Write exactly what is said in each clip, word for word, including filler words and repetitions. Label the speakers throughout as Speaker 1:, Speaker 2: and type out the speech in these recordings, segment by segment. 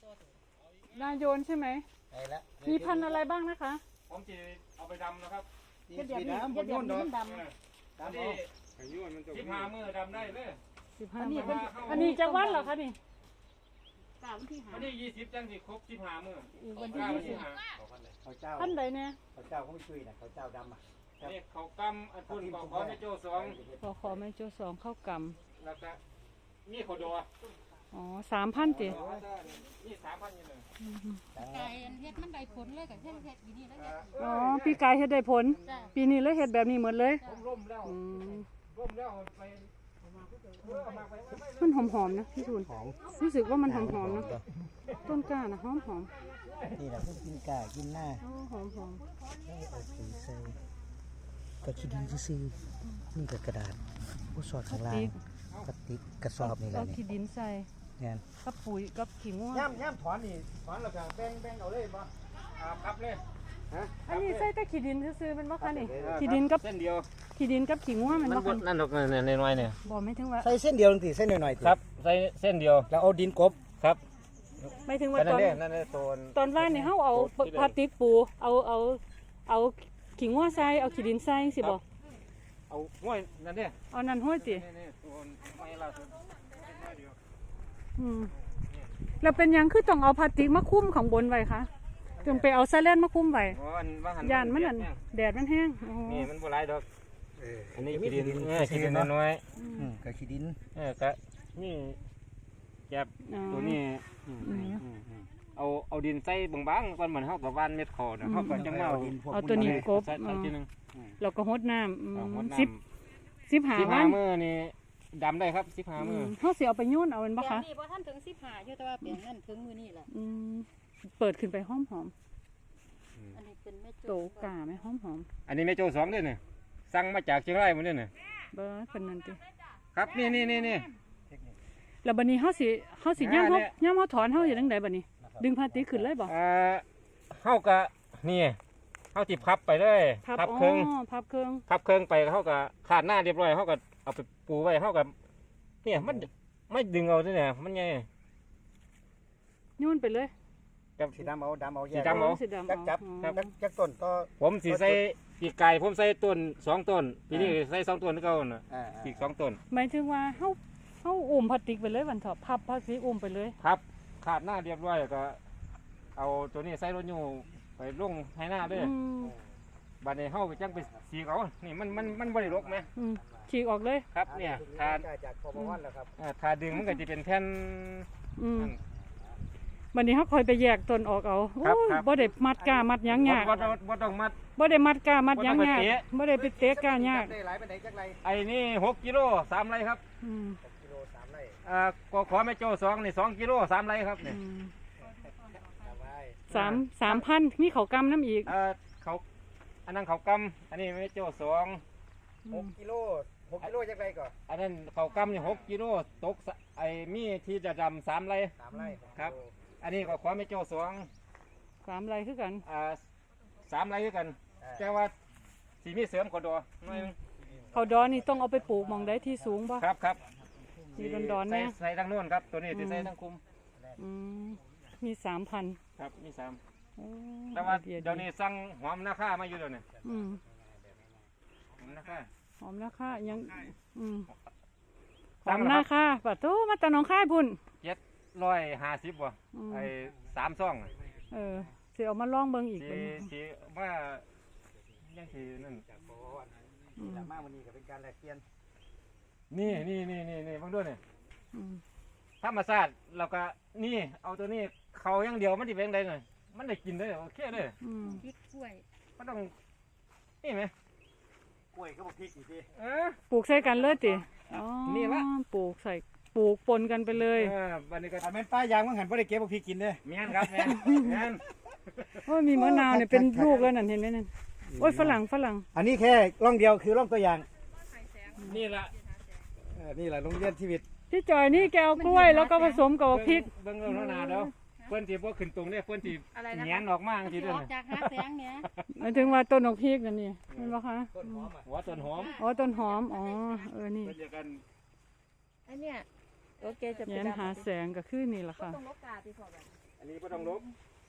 Speaker 1: นายโยนใช่ไหม
Speaker 2: ไปแล้ว
Speaker 1: มีพันธุ์อะไรบ้างนะคะ
Speaker 3: ผมจะเอาไปดำนะครับ
Speaker 2: เฮ็ดแบบนี้เฮ็ดแบบนี้มันดำ
Speaker 3: ดำที่ที่พามือดำได้เลย
Speaker 1: สิบห้าอันนี้จะวัดเหรอคะนี่
Speaker 4: กล่าววันที่หา
Speaker 3: วันที่ยี่สิบจังสิครบที่พามือ
Speaker 1: วันที่ยี่สิบ
Speaker 2: เขาเจ้า
Speaker 1: พันธุ์ใดเนี่ย
Speaker 2: เขาเจ้าเขาไม่ช่วยนะเขาเจ้าดำอ่ะ
Speaker 3: นี่เขากำอันพุ่นเขาขอไม่โจ้สอง
Speaker 1: ขอขอแม่โจ้สองเข้าก
Speaker 3: แล้วก็นี่เขาดัว
Speaker 1: ำอ๋อสามพันจิ
Speaker 3: นี่สามพันยี่หนึ่ง
Speaker 4: ไก่เฮ็ดมันได้ผลเลยกับเฮ็ดเฮ็ดอยู่นี่แล้วเนี่ย
Speaker 1: อ๋อปีกายเฮ็ดได้ผล ปีนี้เลยเฮ็ดแบบนี้หมดเลย
Speaker 3: ผมร่มแล้ว
Speaker 1: อืม
Speaker 3: ร่มแล้วไป
Speaker 1: มันหอมๆนะพี่ทูนรู้สึกว่ามันหอมๆนะต้นกล้านะหอม
Speaker 2: นี่แหละพวกกินกากินหน้า
Speaker 1: ๆโอ้หอม
Speaker 2: เอาสีใส่ก็ขี้ดินซื้อนี่กับกระดาษผู้สอดข้างล่างกระติกกระสอบนี่
Speaker 1: ๆ
Speaker 2: แห
Speaker 1: เอา
Speaker 2: ละนี่
Speaker 1: ขี้ดินใส่
Speaker 2: งาน
Speaker 1: กับปุ๋ยกับขี้ง่วง
Speaker 2: ย่ำย่ำถอนนี่ถอนแล้วก็แบ่งแบ่งเอาเลยบ่
Speaker 3: ครับเลย
Speaker 1: อันนี้ใส่แต่ขี้ดินซื่อๆเป็นบ่คะนี่ขี้ดินกับ
Speaker 3: เส้นเดียว
Speaker 1: ขี้ดินกับขี้ง่วงมันบ่คะ
Speaker 3: นั่นหรอกในน้อยเนี่ย
Speaker 1: บ่ไม่ถึงว่า
Speaker 2: ใส่เส้นเดียวนึงติเส้นหน่อยๆติ
Speaker 3: ครับใส่เส้นเดียว
Speaker 2: แล้วเอาดินกบ
Speaker 3: ครับ
Speaker 1: ไม่ถึงว่า
Speaker 3: นั่
Speaker 1: ต
Speaker 3: น
Speaker 1: อน
Speaker 3: เนี่ยนั่นเนี่ยตัว
Speaker 1: ตอนว่านนี่เฮาเอาพลาสติกปูเอาเอาเอาขี้งัวใส่เอาขี้ดินใส่สิบ่
Speaker 3: เอาห้วยนั่นเนี่ย
Speaker 1: เอานั่นห้อยติ
Speaker 3: นี่ตัวไม่ล่าสุด
Speaker 1: อืมแล้วเป็นหยังคือต้องเอาพลาสติกมาคุ้มข้างบนไว้คะจึงไปเอาไซเลนมาคุ้มไว้ยานมันนั่นแดดมันแห้งอ๋อ
Speaker 3: นี่มันบ่หลายดอก
Speaker 2: เออ
Speaker 3: อันนี้ขี้ดินเออขี้ดินน้อย
Speaker 2: อืมก็ขี้ดิน
Speaker 3: ๆเออก็นี่แก็บ
Speaker 1: อ๋อ
Speaker 3: ตัวนี้เอาเอาดินใส่บางๆก่อนเหมือนเฮากับว่านเม็ดคอนะเฮาก็จังมาเอา
Speaker 1: เอาตัวนี้กบ
Speaker 3: ใส่เอาทีนึง
Speaker 1: แล้วก็หดน้ำอืม
Speaker 3: เอาหดน้ำ
Speaker 1: สิบสิบหา
Speaker 3: สิบ
Speaker 1: วั
Speaker 3: ห้าน มื้อนี่ดำได้ครับสิบห้า
Speaker 1: อื
Speaker 3: มื้อ
Speaker 1: มเฮาสิเอาไปโยนเอาเป็นบ่
Speaker 4: แปล
Speaker 1: คะ
Speaker 4: งนี้พอท่านถึงสิบห้าอยู่แต่ว่าแปลงนั้นถึงมื้อนี้แหละ
Speaker 1: อืมเปิดขึ้นไปหอม
Speaker 4: อันนี้เป็นแม่
Speaker 1: ๆ
Speaker 4: โจ้
Speaker 1: โตกาไหมหอม
Speaker 3: อันนี้แม่โจ้สองเด้อเนี่ยสั่งมาจากเชียงรายหมดเด้อเนี่ย
Speaker 1: ๆเบิ่เพิ่นนั่นติ
Speaker 3: ครับนี่นี่นี่นี่
Speaker 1: แล้วบัดนี้เฮาสิเฮาสิย่าม
Speaker 3: อ่า
Speaker 1: เฮา
Speaker 3: เนี่ย
Speaker 1: ย่ามเฮาถอนเฮาเฮ็ดจังไดบัดนี้ ดึงพลาสติกขึ้นเลยบ่
Speaker 3: เอ่อเฮาก็นี่เฮาสิพับไปเลย
Speaker 1: พับ
Speaker 3: พับ
Speaker 1: อ๋
Speaker 3: เครื่อง
Speaker 1: อพับเครื่อง
Speaker 3: พับเครื่องไปเฮาก็ขาดหน้าเรียบร้อยเฮาก็เอาไปปูไว้เฮาก็เนี่ยมันไม่ดึงเอาด้วยเนี่ยมันไง
Speaker 1: โยนไปเลย
Speaker 3: กับ
Speaker 2: สีดำเอาดำเอาแย
Speaker 3: สี
Speaker 2: ก
Speaker 3: ดำเอา
Speaker 1: สีดำ
Speaker 2: จักจับ
Speaker 1: อ๋อ
Speaker 2: จักจักต้นก็
Speaker 3: ผมสิใส่ปีกไก่ผมใส่ต้นสองต้นปีนี้ใส่สองต้นนี่เก่าน่ะ
Speaker 2: อ่า
Speaker 3: อีกสองต้น
Speaker 1: หมายถึงว่าเฮาเฮาอุ้มพลาสติกไปเลยวันเถาะพับพลาสติกอุ้มไปเลย
Speaker 3: ครับขาดหน้าเรียบร้อยแล้วก็เอาตัวนี้ใส่รถยูไปลงให้หน้าด้วย
Speaker 1: อืม
Speaker 3: บัดนี้เฮาก็จังไปสีเขานี่มันมันมันบ่ได้รกไหม
Speaker 1: อืมฉีกออกเลย
Speaker 3: ครับเนี่ยทา
Speaker 2: จากพอประวันแล้วครับ
Speaker 3: อ่าทาดึงมันก็จะเป็นแผ่น
Speaker 1: อืมวันนี้เฮาคอยไปแยกต้นออกเอาโอ้
Speaker 3: ครับ
Speaker 1: ย
Speaker 3: ครับ
Speaker 1: บ่ได้มัดกามัดหยังยาก
Speaker 3: บ่ต้องบ่ต้องมัด
Speaker 1: บ่ได้มัดกามัดหยัง
Speaker 3: บ่
Speaker 1: ยาก
Speaker 3: ต้องไปเตะ
Speaker 1: บ่ได้ไปเตะกายาก
Speaker 2: ได้หลายไปไหนจักไร
Speaker 3: ไอ้นี่หกกิโลสามไรครับ
Speaker 1: อืม
Speaker 2: กิโลสามไร
Speaker 3: อ่าก็ขอแม่โจ้สองนี่สองกิโลสามไรครับ
Speaker 1: อื
Speaker 3: เนี่ย
Speaker 1: ม
Speaker 2: สามไร
Speaker 1: สามสามพันมีเขากำน้ำอีก
Speaker 3: เอ่อเขาอันนั้นเขากำอันนี้แม่โจ้สอง
Speaker 2: หกกิโลหกกิโลจักไรก่อน
Speaker 3: อันนั้นเขากำนี่หกกิโลตกสะไอ้มีที่จะดำสามไร
Speaker 2: สามไร
Speaker 3: ครับ อันนี้ก็ขอแม่โจ้สอง
Speaker 1: สามไรคือกัน
Speaker 3: อ่าสามไรด้วยกันแต่ว่าสีมีเสริมขอดอหน่อยหนึง
Speaker 1: เขาดอนนี่ต้องเอาไปปลูกหมองได้ที่สูงบ่
Speaker 3: ครับครับ
Speaker 1: มีดอนๆ
Speaker 3: ใส่
Speaker 1: เนี่ย
Speaker 3: ใส่ทั้งโน้นครับ ตัวนี้จะใส่ทั้งคุม
Speaker 1: อืมมีสามพัน
Speaker 3: ครับมีสาม
Speaker 1: โอ้
Speaker 3: แต่ว่า
Speaker 1: ไอเดีย
Speaker 3: เดี๋ยวนี้สั่งหอมนาค่ามาอยู่เดี๋ยวนี้
Speaker 1: อืม
Speaker 3: หอมนาค่า
Speaker 1: หอมราคายังอืมห
Speaker 3: สั่
Speaker 1: อง ม
Speaker 3: แล้ว
Speaker 1: นา
Speaker 3: ครับ
Speaker 1: คาปะโตมาตะหนองค่ายพุ่น
Speaker 3: เจ็ดร้อยห้าสิบว่ะ
Speaker 1: อืม
Speaker 3: ไอ้สามซ่อง
Speaker 1: เออสิเอามาลองเบิ่งอีก
Speaker 3: สี
Speaker 1: เป็น
Speaker 3: สีว่ายังสีนั่น
Speaker 2: จากพอประวัน
Speaker 1: อืม
Speaker 2: จากมาวันนี้ก็เป็นการแลกเปลี่ยน
Speaker 3: นี่นี่นี่นี่นี่บางด้วยเนี่ย
Speaker 1: อืม
Speaker 3: ธรรมชาติเราก็นี่เอาตัวนี้เขาอย่างเดียวมันจะเป็นไงหน่อยมันได้กินได้โอเคเลย
Speaker 1: อืม
Speaker 4: พริกกล้วย
Speaker 3: มันต้องนี่ไหม
Speaker 2: กล้วยก็บอกพริกอีกที
Speaker 3: เออ
Speaker 1: ปลูกใส่กันเลยติอ๋อ
Speaker 3: นี่ละ
Speaker 1: ปลูกใส่ปลูกปนกันไปเลย
Speaker 3: เออวันนี้ก็
Speaker 2: อันเป็นป้ายางมันหันบ่ได้เก็บบอกพริกกินเด้อ
Speaker 3: แม่นครับแม่นแม่น
Speaker 1: โอ้ยมีมะนาวเนี่ยเป็นลูกแล้วนั่นเห็นไหมนั่นโอ้ยฝรั่งฝรั่ง
Speaker 2: อันนี้แค่ร่องเดียวคือร่องตัวอย่าง
Speaker 3: นี่ละ
Speaker 2: เออนี่แหละโรงเรียนชีวิต
Speaker 1: พี่จอยนี่แกเอากล้วยแล้วก็ผสมกับพริก
Speaker 3: เบิ่งเบิ่งแล้วนาเด้อเพิ่นสิบ่ขึ้นตรงเด้อเพิ่นสิ
Speaker 4: อะไรนะ
Speaker 3: แหงนออกมาจัง
Speaker 4: สิ
Speaker 3: ซี่เด้
Speaker 4: อ
Speaker 3: อ
Speaker 4: อกจากหาแสงเนี่ย
Speaker 1: หมายถึงว่าต้นดอกพริกนั่นนี่เห็นปะคะ
Speaker 3: หัวต้นหอม
Speaker 1: อ๋อต้นหอมอ๋อเออนี่
Speaker 3: เพิ่นจะกัน
Speaker 4: ไอ้เนี่ยโอเคจะไป
Speaker 1: แย้นหาแสงก็คือนี่แหละค่ะ
Speaker 4: ต้องลกกาที่พอแบบ
Speaker 3: อันนี้บ่ต้องลบ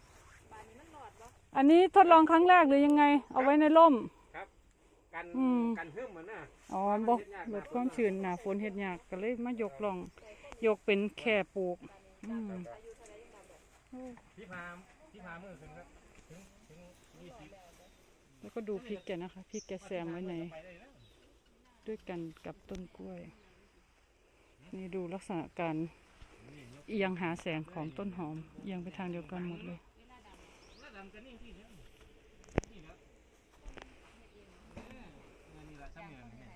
Speaker 1: อันนี้ทดลองครั้งแรกหรือยังไง เอาไว้ในร่ม
Speaker 3: ครับกัน
Speaker 1: อืม
Speaker 3: กันหึ่มเหมือนน่ะ
Speaker 1: อ๋อบ่ลดความชื้นหนาฝนเฮ็ดยากก็เลยมายกลอง ยกเป็นแค่ปลูกอืม
Speaker 3: ที่พาที่พามือขึ้นครับถึงถึงยี่สิบ
Speaker 1: แล้วก็ดูพริกแกนะคะพริกแกแซมไว้ใน
Speaker 3: ไปได้แล้ว
Speaker 1: ด้วยกันกับต้นกล้วย นี่ดูลักษณะการเอียงหาแสงของต้นหอม เอียงไปทางเดียวกันหมดเลย
Speaker 3: แล้วดำกันนี่ที่เดียวนี่แล้วนี่ละซ้ำเนี่ยนี่